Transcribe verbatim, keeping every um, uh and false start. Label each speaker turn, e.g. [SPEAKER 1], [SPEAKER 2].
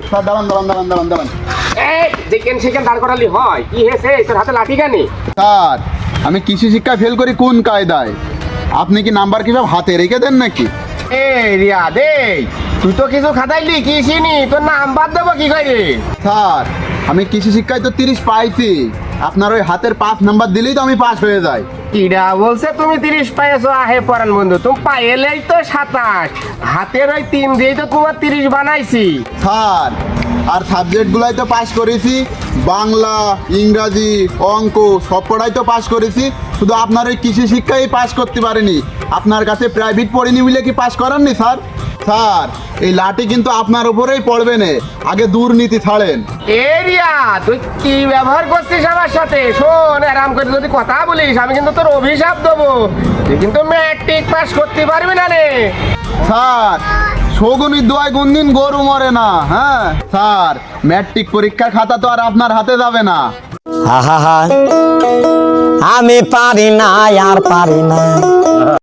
[SPEAKER 1] Sir দাঁড়ান দাঁড়ান দাঁড়ান দাঁড়ান দাঁড়ান
[SPEAKER 2] এই যেখানে সেখানে দাঁড় করালি হয়, কি হয়েছে? তোর হাতে লাঠি কেন?
[SPEAKER 1] স্যার আমি কৃষি শিক্ষায় ফেল করি কোন কায়দায়? আপনি কি নাম্বার কি সব হাতে রেখে দেন নাকি?
[SPEAKER 2] এ রিয়া দে, তুই তো কিছু খাতাইলি কি চিনি, তোর নাম্বার দেবো কি করে?
[SPEAKER 1] স্যার আমি কৃষি শিক্ষায় তো তিরিশ পাইছি, আপনার ওই হাতের পাঁচ নাম্বার দিলেই তো আমি পাস হয়ে যাই।
[SPEAKER 2] কিরা বলছে তুমি তিরিশ পাইছো? আহে পরান বন্ধু, তুমি পাইলেই তো সাতাশ, হাতের ওই তিন দিয়ে তো তোমার তিরিশ বানাইছি।
[SPEAKER 1] স্যার আর সাবজেক্টগুলাই তো পাস করেছি, বাংলা, ইংরাজি, অঙ্ক সব পড়াই তো পাস করেছি, শুধু আপনার ওই কৃষি শিক্ষাই পাস করতে পারিনি। আপনার কাছে প্রাইভেট পড়িনি বলে কি পাস করাননি স্যার? স্যার এই লাঠি কিন্তু আপনার উপরেই পড়বে না, আগে দুর্নীতি ছাড়েন।
[SPEAKER 2] এ রিয়া তুই কি ব্যবহার করছিস আমার সাথে? শোন, আরাম করে যদি কথা বলিস আমি কিন্তু তোর অভিশাপ দেবো, তুই কিন্তু ম্যাট্রিক পাস করতে পারবি না রে।
[SPEAKER 1] স্যার শগুনির দোয়ায় কোনদিন গরু মরে না। হ্যাঁ স্যার, ম্যাট্রিক পরীক্ষার খাতা তো আর আপনার হাতে যাবে না।
[SPEAKER 3] আহা, আমি পারি না আর পারি না।